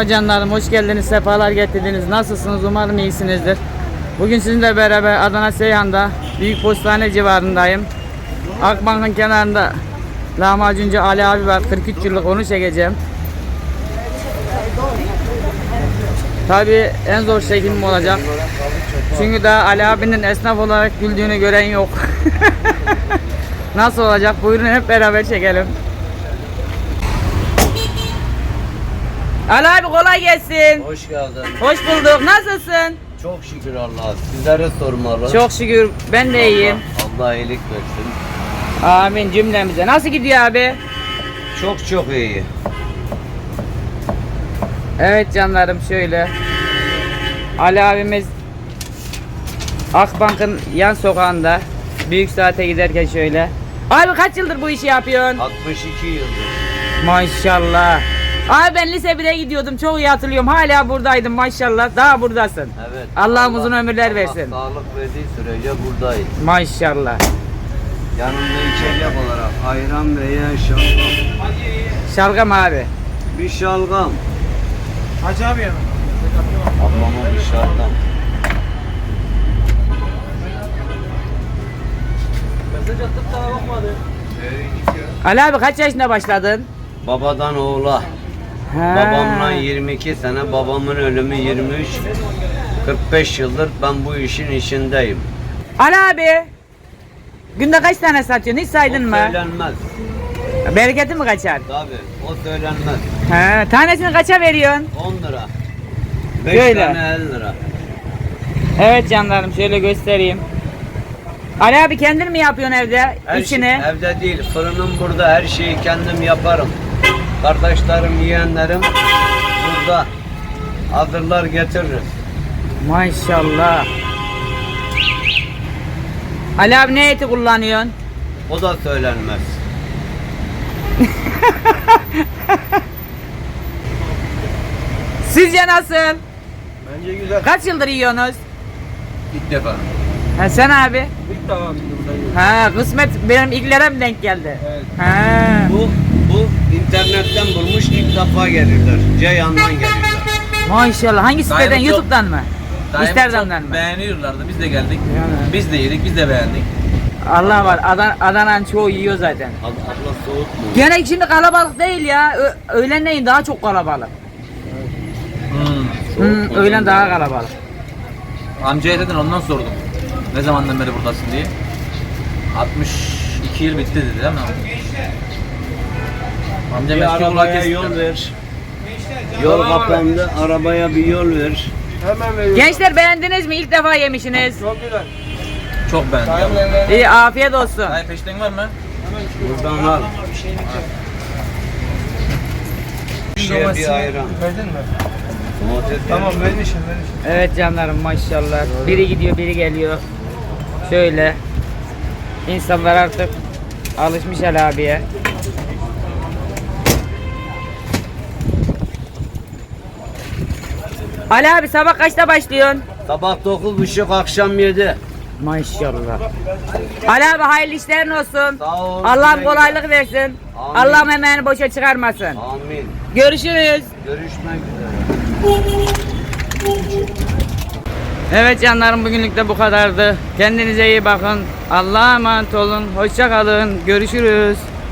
Merhaba canlarım, hoş geldiniz, sefalar getirdiniz. Nasılsınız? Umarım iyisinizdir. Bugün sizinle beraber Adana Seyhan'da Büyük Postane civarındayım. Akbank'ın kenarında lahmacuncu Ali abi var. 43 yıllık, onu çekeceğim. Tabii en zor çekimim olacak. Çünkü daha Ali abinin esnaf olarak güldüğünü gören yok. Nasıl olacak? Buyurun hep beraber çekelim. Ali abi kolay gelsin. Hoş geldin. Hoş bulduk. Nasılsın? Çok şükür Allah'a. Sizlere sormalı. Çok şükür. Ben de iyiyim. Allah iyilik versin. Amin cümlemize. Nasıl gidiyor abi? Çok iyi. Evet canlarım, şöyle. Ali abimiz Akbank'ın yan sokağında. Büyük saate giderken şöyle. Abi kaç yıldır bu işi yapıyorsun? 62 yıldır. Maşallah. Abi ben lise 1'e gidiyordum. Çok iyi hatırlıyorum. Hala buradaydım maşallah. Daha buradasın. Evet. Allah uzun ömürler versin. Allah sağlık verdiği sürece buradayız. Maşallah. Yanımda içecek olarak ayran veya şalgam. Şalgam abi. Bir şalgam. Hacı abi yanım. Ablama bir şalgam. Mesaj attık daha bakmadı. Ali abi kaç yaşında başladın? Babadan oğula. Ha. Babamla 22 sene, babamın ölümü 23. 45 yıldır ben bu işin içindeyim. Ali abi. Günde kaç tane satıyorsun? Hiç saydın O mı? söylenmez. Bereketi mi kaçar? Tabii o söylenmez. He, tanesini kaça veriyorsun? 10 lira. 5 Böyle. tane 50 lira. Evet canlarım, şöyle göstereyim. Ali abi kendin mi yapıyorsun evde içini? Evde değil, fırınım burada, her şeyi kendim yaparım. Kardeşlerim, yeğenlerim burada hazırlar getiririz. Maşallah. Ali abi ne eti kullanıyorsun? O da söylenmez. Sizce nasıl? Bence güzel. Kaç yıldır yiyorsunuz? İlk defa. Ha, sen abi? İlk defa burada yiyorum. Ha, kısmet benim ilklere mi denk geldi? Evet. Ha. Bu internetten bulmuş, ilk defa gelirler. Ceyhan'dan gelirler. Maşallah. Hangi siteden? Daima çok- YouTube'dan mı? Daima Instagram'dan çok mı? beğeniyorlardı. Biz de geldik. Yani. Biz de yedik, biz de beğendik. Allah var. Adana'nın çoğu yiyor zaten. Abla soğutma. Gene şimdi kalabalık değil ya. Öğlenleyin daha çok kalabalık. Öğlen daha kalabalık. Amcaya dedin, ondan sordum. Ne zamandan beri buradasın diye. 62 yıl bitti dedi değil mi? Amcam Bir eski yollar arabaya kesti. yol ver. Yol kapandı, arabaya bir yol ver. Hemen veriyorum. Gençler beğendiniz mi? İlk defa yemişsiniz. Çok güzel. Çok beğendim. İyi, afiyet olsun. Hayır, peşten var mı? Buradan al. Bir şey, bir ayran. Verdin mi? Domates Tamam ver. vermişim. Evet canlarım, maşallah. Biri gidiyor, biri geliyor. Şöyle. İnsanlar artık alışmış Ali abiye. Ali abi sabah kaçta başlıyorsun? Sabah 9.30, akşam 7. Maşallah. Ali abi hayırlı işlerin olsun. Sağ ol. Allah'ım kolaylık versin. Amin. Allah'ım emeğini boşa çıkarmasın. Amin. Görüşürüz. Görüşmek üzere. Evet canlarım, bugünlük de bu kadardı. Kendinize iyi bakın. Allah'a emanet olun. Hoşça kalın. Görüşürüz.